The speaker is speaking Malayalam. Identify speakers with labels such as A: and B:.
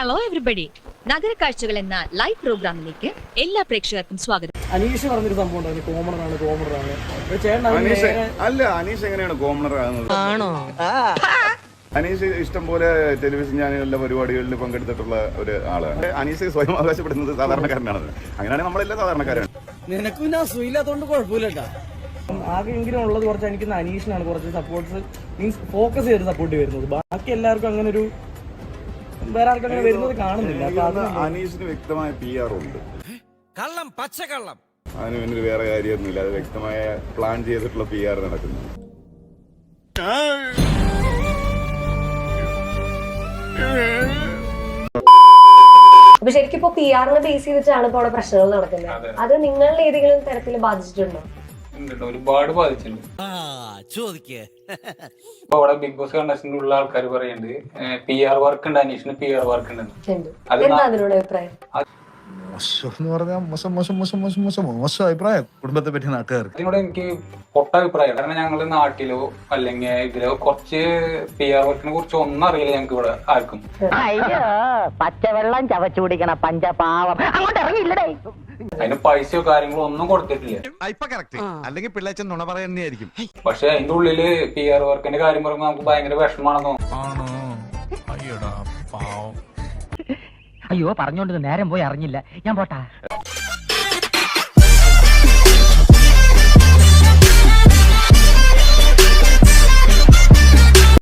A: ഹലോ എവരിബഡി, നഗരക്കാഴ്ചകൾ എന്ന ലൈവ് പ്രോഗ്രാമിലേക്ക് എല്ലാ പ്രേക്ഷകർക്കും സ്വാഗതം.
B: അനീഷ് പറഞ്ഞൊരു സംഭവം ഉണ്ടായിരുന്നു, കോമണറാണ്.
C: അല്ല, അനീഷ് എങ്ങനെയാണ് കോമണർ ആകുന്നത്?
D: ആണോ?
C: അനീഷ് ഇഷ്ടംപോലെ ടെലിവിഷൻ ചാനലിലെ പരിപാടികളിൽ പങ്കെടുത്തിട്ടുള്ള ഒരു ആളാണ്. അനീഷ് സ്വയം അവകാശപ്പെടുന്നത് സാധാരണക്കാരനാണ്. അങ്ങനെയാണെങ്കിൽ നമ്മളെല്ലാം സാധാരണക്കാരാണ്.
B: നിനക്കും ഞാൻ സുഖമില്ലാത്തോണ്ട് കുഴപ്പമില്ലട്ടാ. ആകെ എങ്കിലും ഉള്ളത് കുറച്ച് എനിക്ക് അനീഷിനാണ് കുറച്ച് സപ്പോർട്ട്സ് മീൻസ് ഫോക്കസ് ചെയ്ത് സപ്പോർട്ട് വരുന്നത്. ബാക്കി എല്ലാവർക്കും അങ്ങനെ ഒരു വേറെ ആർക്കും അങ്ങനെ വരുന്നത് കാണുന്നില്ല.
C: അനീഷിന് വ്യക്തമായ PR ഉണ്ട്.
D: കള്ളം, പച്ചക്കള്ളം.
C: അതിന് പിന്നിൽ വേറെ കാര്യമൊന്നുമില്ല. അത് വ്യക്തമായ പ്ലാൻ ചെയ്തിട്ടുള്ള PR നടക്കുന്നു.
E: അപ്പൊ ശരിക്കും ഇപ്പൊ PR ബേസ് ചെയ്തിട്ടാണ് ഇപ്പൊ അവിടെ പ്രശ്നങ്ങൾ നടക്കുന്നത്. അത് നിങ്ങളിൽ ഏതെങ്കിലും തരത്തിൽ ബാധിച്ചിട്ടുണ്ടോ?
F: ഒരുപാട് ബാധിച്ചിട്ടുണ്ട്. ഇപ്പൊ അവിടെ ബിഗ് ബോസ് കണ്ടസ്റ്റന്റ് ഉള്ള ആൾക്കാർ പറയുന്നുണ്ട് PR വർക്ക് ഉണ്ട്, അനീഷിന് PR വർക്ക് ഉണ്ട്.
E: എന്താ അതിനോട് അഭിപ്രായം?
G: മോശം അഭിപ്രായം കുടുംബത്തെ പറ്റി നാട്ടുകാർക്ക്.
F: അതിനോട് എനിക്ക് പൊട്ട അഭിപ്രായം. കാരണം ഞങ്ങളുടെ നാട്ടിലോ അല്ലെങ്കിൽ ഇതിലോ കുറച്ച് PR വർക്കിനെ കുറിച്ച് ഒന്നും അറിയില്ല ഞങ്ങൾക്ക് ഇവിടെ ആർക്കും.
H: അയ്യോ, പച്ചവെള്ളം ചവച്ചു കുടിക്കണ പഞ്ചപാവം അങ്ങോട്ട് ഇറങ്ങിയില്ലടേ.
F: അതിന് പൈസയോ കാര്യങ്ങളോ ഒന്നും കൊടുത്തിട്ടില്ല.
G: അല്ലെങ്കിൽ പിള്ളേച്ചൻ നുണ പറയുന്നതായിരിക്കും.
F: പക്ഷെ അതിന്റെ ഉള്ളില് PR വർക്കിന്റെ കാര്യം പറയുമ്പോൾ നമുക്ക് ഭയങ്കര വിഷമാണെന്നോ.
H: അയ്യോ, പറഞ്ഞോണ്ട് നേരം പോയി അറിഞ്ഞില്ല. ഞാൻ പോട്ടാ.